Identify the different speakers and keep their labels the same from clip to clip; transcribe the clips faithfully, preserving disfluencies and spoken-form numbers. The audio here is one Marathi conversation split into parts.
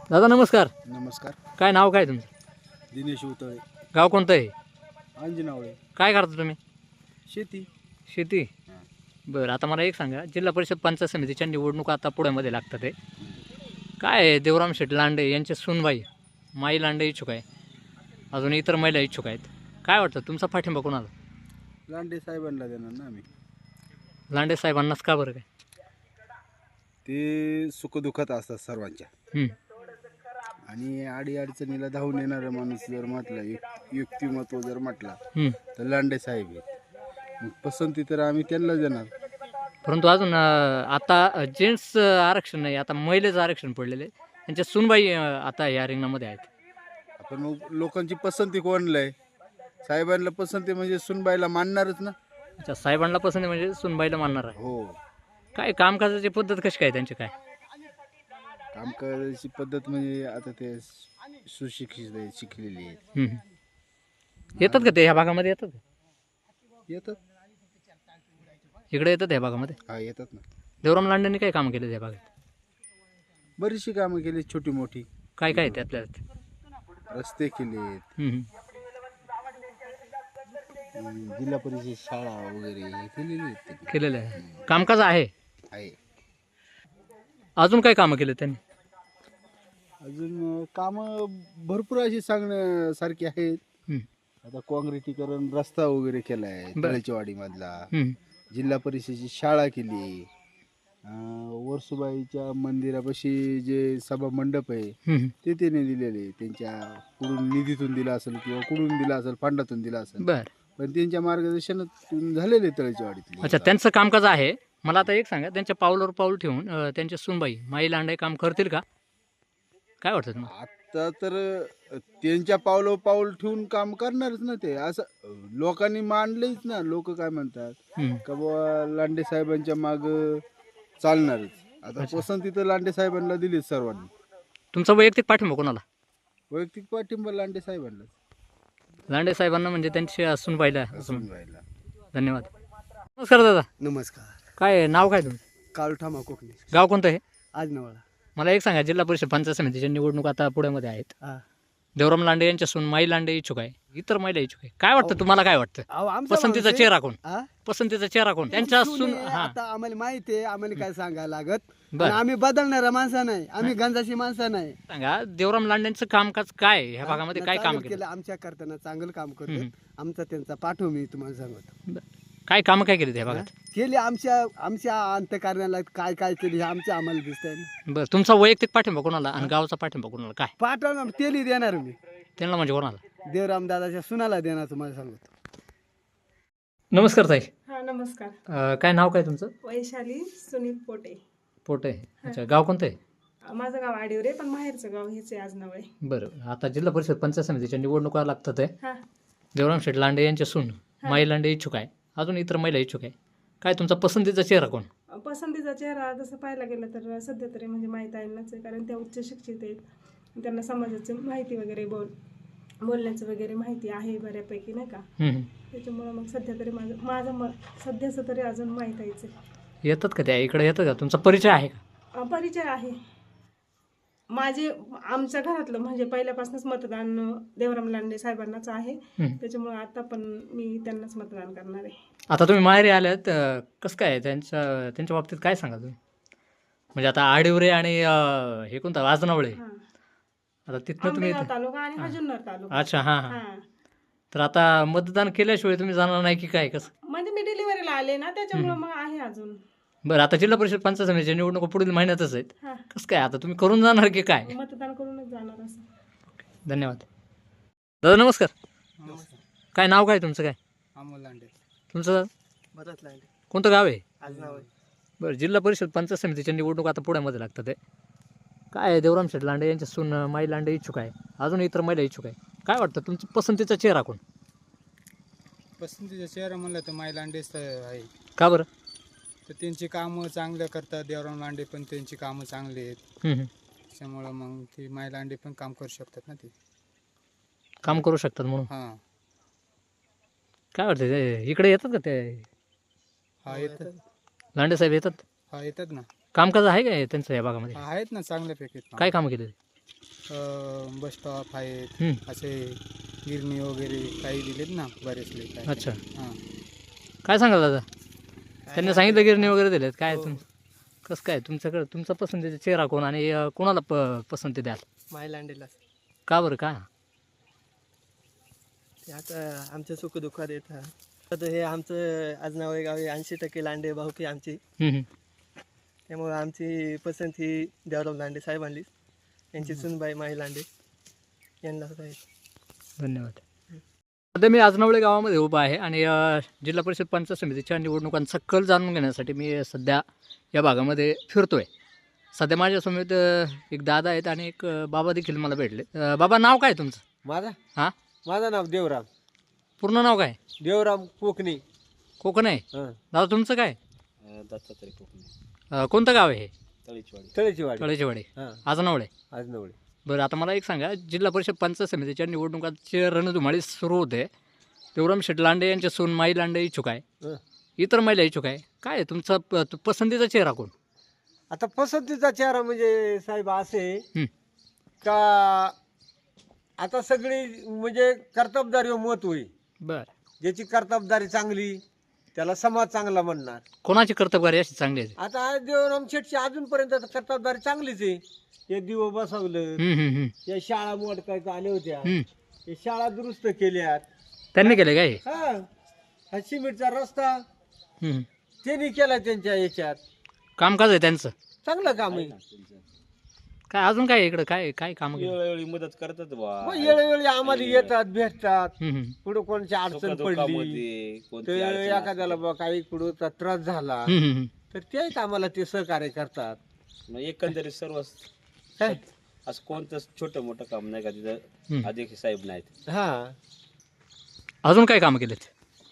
Speaker 1: दादा नमस्कार.
Speaker 2: नमस्कार.
Speaker 1: काय नाव काय तुमचं?
Speaker 2: दिनेश उतळे.
Speaker 1: गाव कोणतं आहे?
Speaker 2: अंजनावळे.
Speaker 1: काय करता तुम्ही?
Speaker 2: शेती.
Speaker 1: शेती. बरं, आता मला एक सांगा, जिल्हा परिषद पंचायत समितीच्या निवडणुका आता पुण्यामध्ये लागतात आहे. काय आहे, देवराम शेठ लांडे यांचे सूनबाई माई लांडे इच्छुक आहे, अजून इतर महिला इच्छुक आहेत. काय वाटतं तुमचा पाठिंबा कोणाला?
Speaker 2: लांडे साहेबांना देणार ना आम्ही.
Speaker 1: लांडे साहेबांनाच का बरं काय?
Speaker 2: ते सुखदुःखात असतात सर्वांच्या
Speaker 1: हं.
Speaker 2: आणि आडी अडचणीला धावून येणारा माणूस जर म्हटला, युक- युक्तिमत्व जर म्हटला
Speaker 1: हं.
Speaker 2: तर लांडे साहेब आहेत. मग पसंती तर आम्ही त्यांना देणार.
Speaker 1: परंतु अजून अं, आता जेंट्स आरक्षण नाही, आता महिलेचं आरक्षण पडलेलं आहे. त्यांच्या सूनबाई अं, आता या रिंगणामध्ये आहेत.
Speaker 2: आपण मग लोकांची पसंती कोणला आहे? साहेबांना पसंती म्हणजे सुनबाईला मानणारच ना.
Speaker 1: अच्छा, साहेबांना पसंत आहे म्हणजे सूनबाईला मानणार आहे.
Speaker 2: हो.
Speaker 1: काय कामकाजाची पद्धत कशी काय त्यांची काय?
Speaker 2: काम करायची पद्धत म्हणजे आता ते सुशिक्षित आहेत, शिकलेली आहेत.
Speaker 1: हं, हं. येतात का ते ह्या भागामध्ये येतात का?
Speaker 2: येतात.
Speaker 1: इकडे येतात ह्या भागामध्ये?
Speaker 2: हा, येतात ना.
Speaker 1: देवराम लांडेंनी काय काम केलं त्या भागात?
Speaker 2: बरीचशी कामं केली, छोटी मोठी.
Speaker 1: काय काय आहे त्यातल्या त्यात?
Speaker 2: रस्ते केलेत,
Speaker 1: हं, हं.
Speaker 2: अं, जिल्हा परिषद शाळा वगैरे हे केलेली आहेत त्यांनी.
Speaker 1: केलेलं आहे. कामकाज आहे.
Speaker 2: आहे.
Speaker 1: अजून काय कामं केले त्यांनी?
Speaker 2: अजून कामं भरपूर अशी सांगण्यासारखी आहेत.
Speaker 1: हं,
Speaker 2: आता काँक्रिटीकरण रस्ता वगैरे केला आहे
Speaker 1: बरं.
Speaker 2: तळेचीवाडी मधला.
Speaker 1: हं.
Speaker 2: जिल्हा परिषदेची शाळा केली. अं, वर्सुबाईच्या मंदिरापाशी जे सभा मंडप आहे
Speaker 1: हं, हं.
Speaker 2: ते त्याने दिलेले. त्यांच्या कुठून निधीतून दिला असेल किंवा कुठून दिला असेल, फंडातून दिला असेल,
Speaker 1: बरं.
Speaker 2: पण त्यांच्या मार्गदर्शनातून झालेले तळेचीवाडीतले.
Speaker 1: अच्छा, त्यांचं कामकाज आहे. मला आता एक सांगा, त्यांच्या पावलावर पाऊल ठेवून अं, त्यांच्या सूनबाई माई लांडे काम करतील का? काय वाटतं तुम्हाला?
Speaker 2: आता तर अ, त्यांच्या पावलं पाऊल ठेवून काम करणारच ना ते. असं अ, लोकांनी मानलंच ना. लोक काय म्हणतात
Speaker 1: हं.
Speaker 2: का बाबा लांडे साहेबांच्या माग चालणारच. आता पसंती तर लांडे साहेबांना दिलीच सर्वांनी.
Speaker 1: तुमचा वैयक्तिक पाठिंबा कोणाला?
Speaker 2: वैयक्तिक पाठिंबा लांडे साहेबांना.
Speaker 1: लांडे साहेबांना म्हणजे त्यांच्या सूनबाईला असं म्हण-
Speaker 2: व्हायला.
Speaker 1: धन्यवाद. नमस्कार दादा.
Speaker 3: नमस्कार.
Speaker 1: काय आहे, नाव काय तुमचं?
Speaker 3: काळू ठामा कोकणी
Speaker 1: गाव कोणतं आहे?
Speaker 3: आज नवळा.
Speaker 1: मला एक सांगा, जिल्हा परिषद पंचायत समितीच्या निवडणूक आता पुण्यामध्ये आहेत.
Speaker 3: हा.
Speaker 1: देवराम लांडे यांच्या सून माई लांडे इच्छुक आहे, इतर महिला इच्छुक आहे. काय वाटतं तुम्हाला? काय वाटतं
Speaker 3: अहो, आमचा
Speaker 1: पसंतीचा
Speaker 3: माणूस आहे.
Speaker 1: चेहरा कोण?
Speaker 3: हा?
Speaker 1: पसंतीचा चेहरा कोण? त्यांच्या
Speaker 3: सून
Speaker 1: सून
Speaker 3: आहे,
Speaker 1: हा
Speaker 3: आता आम्हाला माहिती आहे, आम्हाला काय सांगायला लागत.
Speaker 1: बरं.
Speaker 3: आणि आम्ही बदलणारा माणसा नाही, आम्ही गंजाची माणसं नाही.
Speaker 1: सांगा, देवराम लांडेंचं कामकाज काय आहे? ह्या भागामध्ये काय काम
Speaker 3: चांगलं
Speaker 1: केलं?
Speaker 3: केलं आमच्या करताना, चांगलं काम
Speaker 1: हम्म.
Speaker 3: करतो. आमचा त्यांचा पाठव मी तुम्हाला सांगतो.
Speaker 1: काय काम काय केले त्या भागात?
Speaker 3: केली आमच्या आमच्या अंतकारणाला काय काय केली हे आमच्या आम्हाला दिसतंय ना.
Speaker 1: बरं, तुमचा वैयक्तिक पाठिंबा कोणाला आणि गावचा पाठिंबा कोणाला? काय
Speaker 3: पाठवणार तेली देणार मी.
Speaker 1: त्यांना म्हणजे कोणाला?
Speaker 3: देवराम दादाच्या सुनाला देणार तुम्हाला सांगतो.
Speaker 1: नमस्कार ताई.
Speaker 4: हा नमस्कार.
Speaker 1: अं, काय नाव काय तुमचं?
Speaker 4: वैशाली सुनील पोटे.
Speaker 1: पोटे. अच्छा, गाव कोणतं आहे?
Speaker 4: अ, माझं गाव आडिवरे, पण माहेरचं गाव हेच आहे आजनावळे.
Speaker 1: बरं, आता जिल्हा परिषद पंचायत समितीच्या निवडणुका लागतात आहे.
Speaker 4: हा.
Speaker 1: देवराम शेठ लांडे यांच्या सून माई लांडे इच्छुक आहे, अजून इतर महिला इच्छुक आहे. काय तुमचा पसंतीचा चेहरा कोण?
Speaker 4: अ, पसंतीचा चेहरा तसं पाहायला गेलं तर सध्या तरी म्हणजे माहीत आहे नाच आहे, कारण त्या उच्च शिक्षित आहेत. त्यांना समाजाची माहिती वगैरे बोल बोलण्याचं वगैरे माहिती आहे बऱ्यापैकी, नाही का?
Speaker 1: हं, हं.
Speaker 4: त्याच्यामुळं मग सध्या तरी माझं माझं म सध्याचं तरी अजून माहीत आहेच आहे.
Speaker 1: येतात का त्या इकडे? येतात का? तुमचा परिचय आहे का?
Speaker 4: अ, परिचय आहे माझे. आमच्या घरातलं म्हणजे पहिल्यापासूनच मतदान देवराम लांडे साहेबांनाच आहे.
Speaker 1: हं.
Speaker 4: त्याच्यामुळं आता पण मी त्यांनाच मतदान करणार आहे.
Speaker 1: आता तुम्ही माहेरी आल्यात, अं, कसं काय त्यांच्या त्यांच्या बाबतीत काय सांगा तुम्ही? म्हणजे आता आडिवरे आणि अं, हे कोणतं आजनावळे,
Speaker 4: हां.
Speaker 1: आता तिथनं तुम्ही
Speaker 4: आंबेगाव तालुका आणि हा जुन्नर तालुका.
Speaker 1: अच्छा, हां हां.
Speaker 4: हां.
Speaker 1: तर आता मतदान केल्याशिवाय तुम्ही जाणार नाही की काय? कसं?
Speaker 4: म्हणजे मी डिलिव्हरीला आले ना, त्याच्यामुळं मग आहे अजून.
Speaker 1: बरं, आता जिल्हा परिषद पंचायत समितीच्या निवडणुका पुढील महिन्यातच आहेत.
Speaker 4: हां.
Speaker 1: कसं काय आता तुम्ही करून जाणार की काय?
Speaker 4: मतदान करूनच जाणार असं.
Speaker 1: धन्यवाद. दादा नमस्कार. काय नाव काय तुमचं? काय
Speaker 3: अमोल लांडे.
Speaker 1: तुमचं?
Speaker 3: बरंच लांडे.
Speaker 1: कोणतं गाव आहे?
Speaker 3: आज नवळे.
Speaker 1: बरं, जिल्हा परिषद पंचायत समितीच्या निवडणूक आता पुण्यामध्ये लागतात आहे. काय आहे, देवराम शेठ लांडे यांच्या सून माई लांडे इच्छुक आहे, अजून इतर महिला इच्छुक आहे. काय वाटतं तुमचा पसंतीचा चेहरा कोण?
Speaker 5: पसंतीचा चेहरा म्हणलं तर माई लांडेच आहे.
Speaker 1: का बरं?
Speaker 5: तर त्यांची कामं चांगलं करतात. देवराम लांडे पण त्यांची कामं चांगली आहेत.
Speaker 1: हं, हं.
Speaker 5: त्याच्यामुळं मग ती माई लांडे पण काम करू शकतात ना ते.
Speaker 1: काम करू शकतात म्हणून.
Speaker 5: हां.
Speaker 1: काय वाटतं ते इकडे येतात का ते
Speaker 5: हा येतात.
Speaker 1: लांडे साहेब? येतात.
Speaker 5: हा येतात ना.
Speaker 1: कामकाज आहे का त्यांचं या भागामध्ये?
Speaker 5: हा आहेत ना चांगल्यापैकी.
Speaker 1: काय कामं केले?
Speaker 5: बस स्टॉप आहेत
Speaker 1: हं.
Speaker 5: असे गिरणी वगैरे काही दिलेत ना बरेचले काय
Speaker 1: अच्छा
Speaker 5: हां
Speaker 1: काय सांगाल दादा त्यांनी सांगितलं गिरणी वगैरे दिलेत काय तुम कसं काय तुमच्याकडे तुमचा पसंतीचा चेहरा कोण आणि अं, कोणाला प पसंती द्याल
Speaker 6: मायलांडीला
Speaker 1: का बरं का
Speaker 6: ते आता आमच्या सुखदुःखात येतात आता हे आमचं आजनावळे गाव ऐंशी टक्के लांडे भाऊकी आमची
Speaker 1: हं, हं.
Speaker 6: त्यामुळे आमची पसंत ही देवराव लांडे साहेबांनी यांची सुनबाई माई लांडे यांना आहे.
Speaker 1: धन्यवाद सध्या मी आजनावळे गावामध्ये उभा आहे आणि अ, जिल्हा परिषद पंचायत समितीच्या निवडणुकांचा कल जाणून घेण्यासाठी मी सध्या या भागामध्ये फिरतो आहे. सध्या माझ्यासमोर अ, एक दादा आहेत आणि एक अ, बाबा देखील मला भेटले. अ, बाबा नाव काय तुमचं?
Speaker 7: माझा
Speaker 1: हां
Speaker 7: माझं नाव देवराम
Speaker 1: पूर्ण नाव काय?
Speaker 7: देवराम कोकणी.
Speaker 1: कोकण आहे.
Speaker 7: हं.
Speaker 1: दादा तुमचं काय?
Speaker 7: दत्तात्रय कोकणी.
Speaker 1: अ, कोणतं गाव आहे हे?
Speaker 7: तळेची वाडी.
Speaker 1: तळेचेवाडी
Speaker 7: हां
Speaker 1: आजनावळे.
Speaker 7: आज नवळे.
Speaker 1: बरं आता मला एक सांगा जिल्हा परिषद पंचायत समितीच्या निवडणुकांचे रणधुमाळी सुरू होते. देवराम शेठ लांडे यांचे सून माई लांडे इच्छुक आहे.
Speaker 7: हं.
Speaker 1: इतर महिला इच्छुक आहे. काय आहे तुमचा प- त- पसंतीचा चेहरा कोण?
Speaker 7: आता पसंतीचा चेहरा म्हणजे साहेब असे
Speaker 1: हं.
Speaker 7: का आता सगळी म्हणजे कर्तबदारी मत होईल.
Speaker 1: बरं
Speaker 7: ज्याची कर्तबदारी चांगली त्याला समाज चांगला म्हणणार.
Speaker 1: कोणाची कर्तबगारी अशी चांगली आहे?
Speaker 7: आता आज देवराम शेठची अजूनपर्यंत कर्तबदारी चांगलीच आहे. हे दिवं बसवलं,
Speaker 1: हं, हं, हं,
Speaker 7: या शाळा मोडकायच्या आल्या होत्या,
Speaker 1: हं.
Speaker 7: हे शाळा दुरुस्त केल्यात.
Speaker 1: त्यांनी केले काय?
Speaker 7: हा हा सिमेंटचा रस्ता
Speaker 1: हं.
Speaker 7: त्यांनी केला त्यांच्या याच्यात.
Speaker 1: कामकाज आहे त्यांचं.
Speaker 7: चांगलं काम आहे.
Speaker 1: काय अजून काय आहे इकडं काय काय काम
Speaker 8: वेळोवेळी मदत करतात बा
Speaker 7: मग वेळोवेळी आम्हाला येतात भेटतात. पुढे कोणाची अडचण पडली
Speaker 8: दुःखामध्ये कोणती
Speaker 7: तर
Speaker 8: अडचण
Speaker 7: एखाद्याला बा काही पुढे त्रास झाला तर तेच आम्हाला ते सहकार्य करतात.
Speaker 8: असली, मग एकंदरीत सर्व
Speaker 7: काय
Speaker 8: असं कोणतं छोटं मोठं काम नाही का तिथं अधिक साहेब नाहीत.
Speaker 7: हा
Speaker 1: अजून काय कामं केलेत?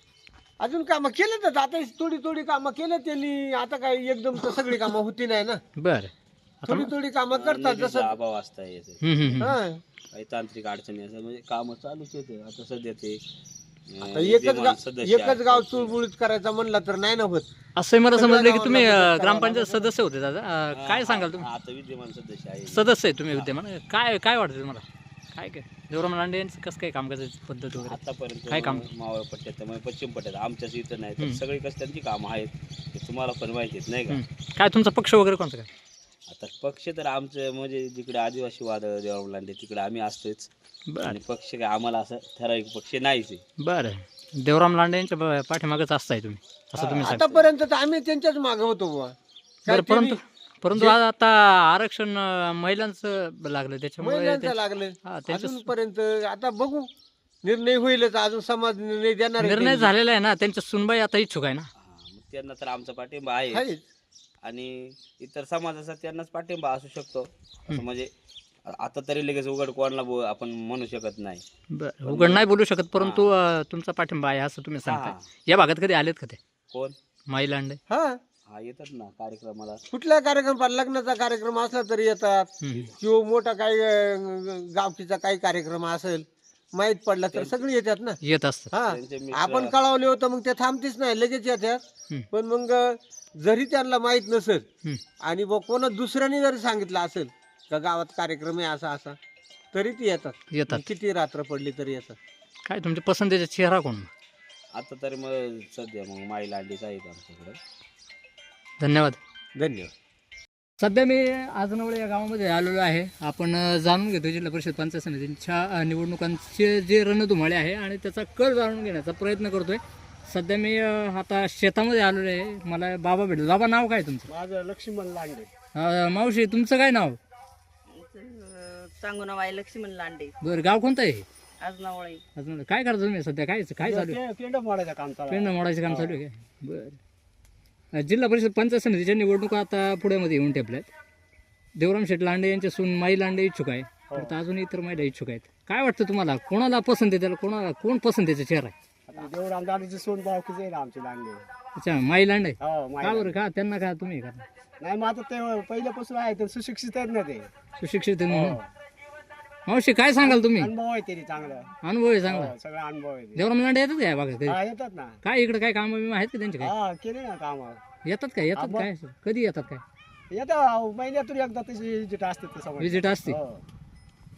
Speaker 7: अजून कामं केलं तर आता थोडी थोडी कामं केलं त्यांनी. आता काय एकदम तर सगळी कामं होती नाही ना.
Speaker 1: बरं आता
Speaker 7: थोडी थोडी कामं करतात
Speaker 8: निधीचा
Speaker 7: जसं.
Speaker 8: अभाव असता याचे
Speaker 1: हं, हं, हं.
Speaker 7: हा
Speaker 8: काही तांत्रिक अडचणी असं म्हणजे कामं चालूच येते. आता सध्या ते अं,
Speaker 7: आता एकच
Speaker 8: विद्यमान
Speaker 7: गाव
Speaker 8: सदस्य
Speaker 7: एकच
Speaker 8: आहेत.
Speaker 7: गाव चुळबुळीत करायचं म्हणलं तर नाही ना होत.
Speaker 1: असं मला
Speaker 7: सगळ्या
Speaker 1: समजलं की तुम्ही
Speaker 7: गावाला
Speaker 1: अं,
Speaker 7: मदत
Speaker 1: ग्रामपंचायत
Speaker 7: करावं
Speaker 1: सदस्य होते दादा. अं, काय सांगाल तुम्ही?
Speaker 8: आता विद्यमान सदस्य आहे.
Speaker 1: सदस्य आहे तुम्ही विद्यमान. काय काय वाटतं तुम्हाला? काय काय देवराम लांडे यांचं कसं काय कामकाजाची पद्धत वगैरे?
Speaker 8: आतापर्यंत
Speaker 1: काय काम?
Speaker 8: मावळ पट्ट्यात त्यामुळे पश्चिम पट्ट्यात आमच्याच इथं नाही तर
Speaker 1: हं.
Speaker 8: सगळी कसं त्यांची कामं आहेत ते तुम्हाला पण माहिती आहेत नाही का.
Speaker 1: हं. काय तुमचा पक्ष वगैरे कोणता काय?
Speaker 8: आता पक्ष तर आमचं म्हणजे जिकडे आदिवासी वाद देवराम लांडे तिकडे आम्ही असतोच.
Speaker 1: बरं
Speaker 8: आणि पक्ष काय आम्हाला असं ठराविक पक्ष नाहीच आहे.
Speaker 1: बरं देवराम लांडे यांच्या ब- पाठीमागच असताय तुम्ही असं तुम्ही सांगता.
Speaker 7: आतापर्यंत तर आम्ही त्यांच्याच मागे होतो बुवा. काय
Speaker 1: बरं परंतु
Speaker 7: त्यांनी
Speaker 1: परंतु आज आता आरक्षण अं, महिलांचं लागलं त्याच्यामुळे
Speaker 7: महिलांचं
Speaker 1: ते-
Speaker 7: लागलं
Speaker 1: हा, त्यांच्या
Speaker 7: अजूनपर्यंत. आता बघू निर्णय होईलच. अजून समाज निर्णय देणार आहे
Speaker 1: निर्णय
Speaker 7: त्यांनी.
Speaker 1: झालेला आहे ना. त्यांच्या सुनबाई आता इच्छुक आहे ना.
Speaker 8: हा, मग त्यांना तर आमचा पाठिंबा आहे
Speaker 7: आहेच.
Speaker 8: आणि इतर समाजाचा त्यांनाच पाठिंबा असू शकतो. असं म्हणजे आता तरी लगेच उघड कोणाला बो- आपण म्हणू शकत नाही.
Speaker 1: बरं उघड नाही बोलू शकत परंतु अं, तुमचा पाठिंबा आहे असं तुम्ही सांगताय.
Speaker 8: हा.
Speaker 1: या भागात कधी आलेत का ते
Speaker 8: कोण
Speaker 1: माई लांडे?
Speaker 7: हा
Speaker 8: हा येतात ना कार्यक्रमाला.
Speaker 7: कुठला कार्यक्रम लग्नाचा कार्यक्रम असला तरी येतात.
Speaker 1: हं.
Speaker 7: किंवा मोठा काही अं, गावकीचा काही कार्यक्रम असेल माहीत पडला तर सगळे येतात ना.
Speaker 1: येत असतात.
Speaker 7: हा
Speaker 8: त्यांचे मित्र-
Speaker 7: आपण कळवले होतं मग ते थांबतीच नाही लगेच येतात.
Speaker 1: हं.
Speaker 7: पण मग जरी त्यांना माहीत नसेल
Speaker 1: हं.
Speaker 7: आणि बघ कोणा दुसऱ्याने जरी सांगितलं असेल का गावात कार्यक्रम आहे असा असा तरी ती येतात.
Speaker 1: येतात.
Speaker 7: मग किती रात्र पडली तरी येतात.
Speaker 1: काय तुमच्या पसंतीचा चेहरा कोण?
Speaker 8: आता तरी मग सध्या मग माई लांडीच आहेत आमच्याकडे.
Speaker 1: धन्यवाद.
Speaker 7: धन्यवाद.
Speaker 1: सध्या मी आजनवळे या गावामध्ये आलेलो आहे. आपण अ, जाणून घेतो जिल्हा परिषद पंचायत समितीच्या अ, निवडणुकांचे जे रणधुमाळे आहे आणि त्याचा कल जाणून घेण्याचा प्रयत्न करतोय. सध्या मी अ, आता शेतामध्ये आलेलो आहे. मला बाबा भेटलो. बाबा नाव काय तुमचं?
Speaker 3: माझं लक्ष्मण लांडे.
Speaker 1: अ, मावशी तुमचं काय नाव?
Speaker 9: सांगू नाव आहे लक्ष्मण लांडे.
Speaker 1: बरं गाव कोणतं आहे?
Speaker 9: आजनावळे.
Speaker 1: अजून काय करता तुम्ही सध्या? काय काय चालू आहे?
Speaker 3: पेंड मोडायचं काम चालू आहे.
Speaker 1: पेंड मोडायचं काम चालू आहे काय? बरं जिल्हा परिषद पंचायत समितीच्या निवडणुका आता पुण्यामध्ये येऊन ठेपल्यात. देवराम शेठ लांडे यांचे सून माई लांडे इच्छुक आहे. तर अजून इतर महिला इच्छुक आहेत. काय वाटतं तुम्हाला कोणाला पसंत आहे? त्याला कोणाला कोण पसंतीचा चेहरा आहे?
Speaker 3: आता देवराम दादाची सोन भावकीच आहे ना आमची लांडे.
Speaker 1: अच्छा माई लांडे.
Speaker 3: हो माहिती
Speaker 1: का
Speaker 3: आहे.
Speaker 1: बरं का त्यांना का तुम्ही का
Speaker 3: नाही मग आता ते पहिल्यापासून आहे तर सुशिक्षित आहेत ना ते.
Speaker 1: सुशिक्षित आहे म्हणून? मावशी काय सांगाल तुम्ही?
Speaker 3: अनुभव आहे तरी चांगला.
Speaker 1: अनुभव आहे चांगला.
Speaker 3: हो, सगळा अनुभव आहे ते.
Speaker 1: देवराम लांडे येतात काय बघा कधी?
Speaker 3: हा येतात ना.
Speaker 1: काय इकडे काय कामं बिमं आहेत का त्यांचे काय?
Speaker 3: हा केले ना काम.
Speaker 1: येतात काय? येतात
Speaker 3: हा,
Speaker 1: काय? कधी येतात काय?
Speaker 3: येतात महिन्यातून एकदा त्याची विजिट असते ते समोर.
Speaker 1: विजिट असते.
Speaker 3: हो.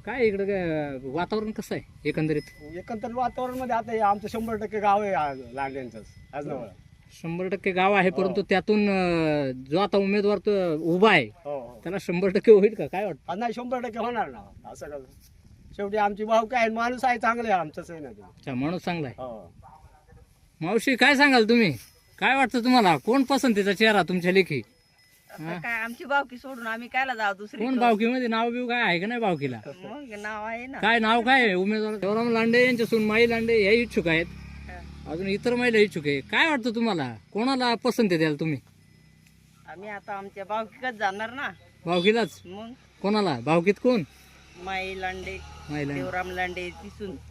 Speaker 1: काय इकडं काय वातावरण कसं आहे एकंदरीत?
Speaker 7: एकंदर वातावरण मध्ये आता हे आमचं शंभर टक्के गाव आहे आ- लांड्यांचंच आज जवळ.
Speaker 1: शंभर टक्के गाव आहे, परंतु त्यातून अं, जो आता उमेदवार तो उभा आहे
Speaker 7: हो हो
Speaker 1: त्याला शंभर टक्के होईल का, काय वाटतं?
Speaker 7: आज नाही शंभर टक्के होणार ना असं कसं. शेवटी आमची भाऊ काय माणूस आहे चांगले आहे आमचंच आहे ना ते.
Speaker 1: अच्छा, माणूस चांगला आहे.
Speaker 7: हो
Speaker 1: मावशी काय सांगाल तुम्ही, काय वाटतं तुम्हाला, कोण पसंतीचा चेहरा तुमच्या लेखी?
Speaker 9: आता काय आमची बावकी सोडून आम्ही कायला जाऊ दुसरी
Speaker 1: कोण भावकीमध्ये नाव बिव काय आहे का नाही भावकीला?
Speaker 9: मग नाव आहे ना.
Speaker 1: काय नाव काय आहे उमेदवार? देवराम लांडे यांच्या सून माई लांडे हे इच्छुक आहेत, अजून इतर महिला इच्छुक आहे. काय वाटतं तुम्हाला, कोणाला पसंती द्याल तुम्ही?
Speaker 9: आम्ही आता आमच्या बावकीकच जाणार ना.
Speaker 1: भावकीलाच?
Speaker 9: मग
Speaker 1: कोणाला भावकीत कोण?
Speaker 9: माई लांडे,
Speaker 1: माई लांडे.
Speaker 9: देवराम लांडे तिसून